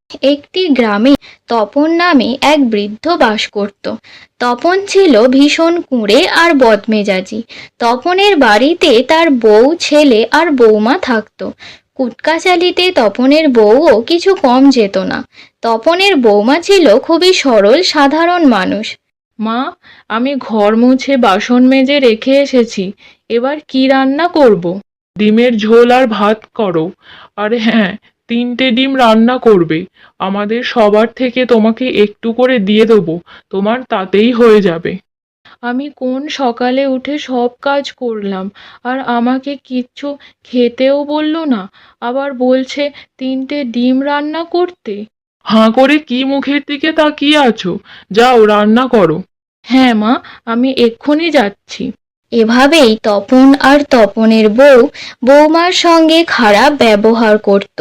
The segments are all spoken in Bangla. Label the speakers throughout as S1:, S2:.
S1: একটি গ্রামে তপন নামে এক বৃদ্ধ বাস করত। তপন ছিল ভীষণ কুঁড়ে আর বদমেজাজি। তপনের বাড়িতে তার বউ, ছেলে আর বৌমা থাকতো। কুটকাচালিতে তপনের বউও কিছু কম যেত না। তপনের বৌমা ছিল খুবই সরল সাধারণ মানুষ।
S2: মা, আমি ঘর মুছে বাসন মেজে রেখে এসেছি। এবার কি রান্না করব? ডিমের ঝোল আর ভাত করো। আর হ্যাঁ, 3টে ডিম রান্না করবে। আমাদের সবার থেকে তোমাকে একটু করে দিয়ে দেবো, তোমার তাতেই হয়ে যাবে। আমি কোন সকালে উঠে সব কাজ করলাম, আর আমাকে কিচ্ছু খেতেও বললো না, আবার বলছে 3টে ডিম রান্না করতে। হাঁ করে কি মুখের দিকে তাকিয়ে আছো? যাও রান্না করো। হ্যাঁ মা, আমি এক্ষুনি যাচ্ছি।
S1: এভাবেই তপন আর তপনের বউ বৌমার সঙ্গে খারাপ ব্যবহার করত।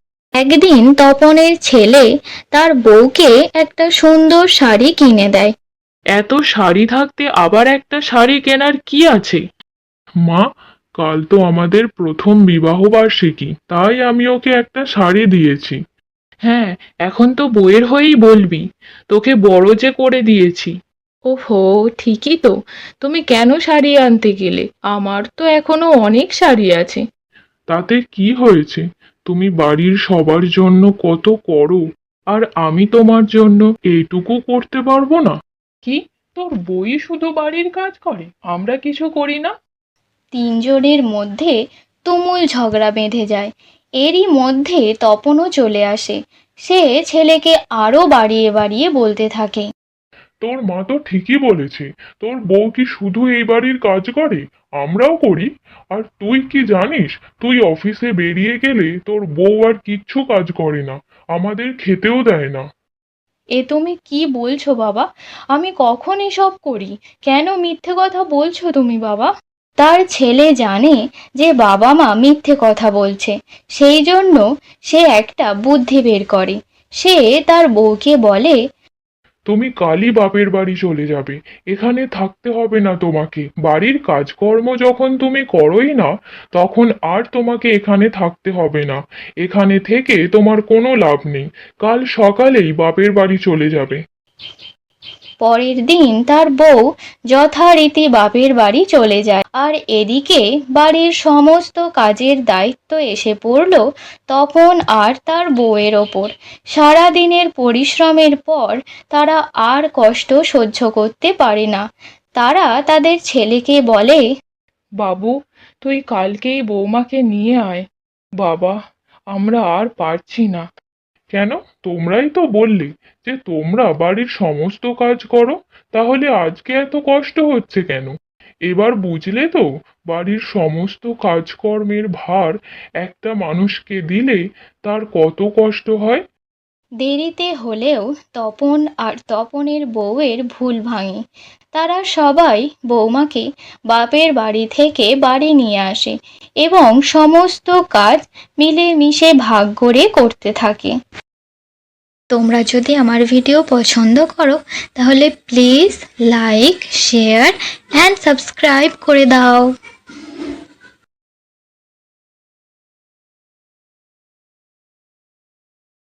S1: একদিন তপনের ছেলে তার বউকে একটা সুন্দর শাড়ি কিনে দেয়।
S2: এত শাড়ি থাকতে আবার একটা শাড়ি কেনার কি আছে? মা, কাল তো আমাদের প্রথম বিবাহ বার্ষিকী, তাই আমি ওকে একটা শাড়ি দিয়েছি। হ্যাঁ, এখন তো বউয়ের হয়েই বলবি, তোকে বড় যে করে দিয়েছি। ওহো, ঠিকই তো। তুমি কেন শাড়ি আনতে গেলে? আমার তো এখনো অনেক শাড়ি আছে। তাতে কি হয়েছে? তুমি বাড়ির সবার জন্য কত করো, আর আমি তোমার জন্য এইটুকু করতে পারবো না? কি, তোর বই শুধু বাড়ির কাজ করে, আমরা কিছু করি না?
S1: তিনজনের মধ্যে তুমুল ঝগড়া বেঁধে যায়। এরই মধ্যে তপনও চলে আসে। সে ছেলেকে আরো বাড়িয়ে বাড়িয়ে বলতে থাকে,
S2: তোর মা তো ঠিকই বলেছে, তোর বউ কি শুধু এই বাড়ির কাজ করে? আমরাও করি। আর তুই কি জানিস, তুই অফিসে বেরিয়ে গেলে তোর বউ আর কিচ্ছু কাজ করে না, আমাদের খেতেও দেয় না।
S1: এ তুমি কি বলছো বাবা? আমি কখন এসব করি? কেন মিথ্যে কথা বলছো তুমি বাবা? তার ছেলে জানে যে বাবা মা মিথ্যে কথা বলছে, সেই জন্য সে একটা বুদ্ধি বের করে। সে তার বউকে বলে,
S2: তুমি কালই বাপের বাড়ি চলে যাবে, এখানে থাকতে হবে না তোমাকে। বাড়ির কাজকর্ম যখন তুমি করোই না, তখন আর তোমাকে এখানে থাকতে হবে না। এখানে থেকে তোমার কোনো লাভ নেই। কাল সকালেই বাপের বাড়ি চলে যাবে।
S1: পরের দিন তার বউ যথারীতি বাপের বাড়ি চলে যায়। আর এদিকে বাড়ির সমস্ত কাজের দায়িত্ব এসে পড়ল তপন আর তার বউয়ের ওপর। সারা দিনের পরিশ্রমের পর তারা আর কষ্ট সহ্য করতে পারে না। তারা তাদের ছেলেকে বলে,
S2: বাবু, তুই কালকেই বৌমাকে নিয়ে আয়। বাবা, আমরা আর পারছি না। কেন? তোমরাই তো বললে যে তোমরা বাড়ির সমস্ত কাজ করো, তাহলে আজকে এত কষ্ট হচ্ছে কেন? এবার বুঝলে তো, বাড়ির সমস্ত কাজকর্মের ভার একটা মানুষকে দিলে তার কত কষ্ট হয়।
S1: দেরিতে হলেও তপন আর তপনের বউয়ের ভুল ভাঙে। তারা সবাই বৌমাকে বাপের বাড়ি থেকে বাড়ি নিয়ে আসে এবং সমস্ত কাজ মিলেমিশে ভাগ করে করতে থাকে। তোমরা যদি আমার ভিডিও পছন্দ করো তাহলে please like, share and subscribe করে দাও।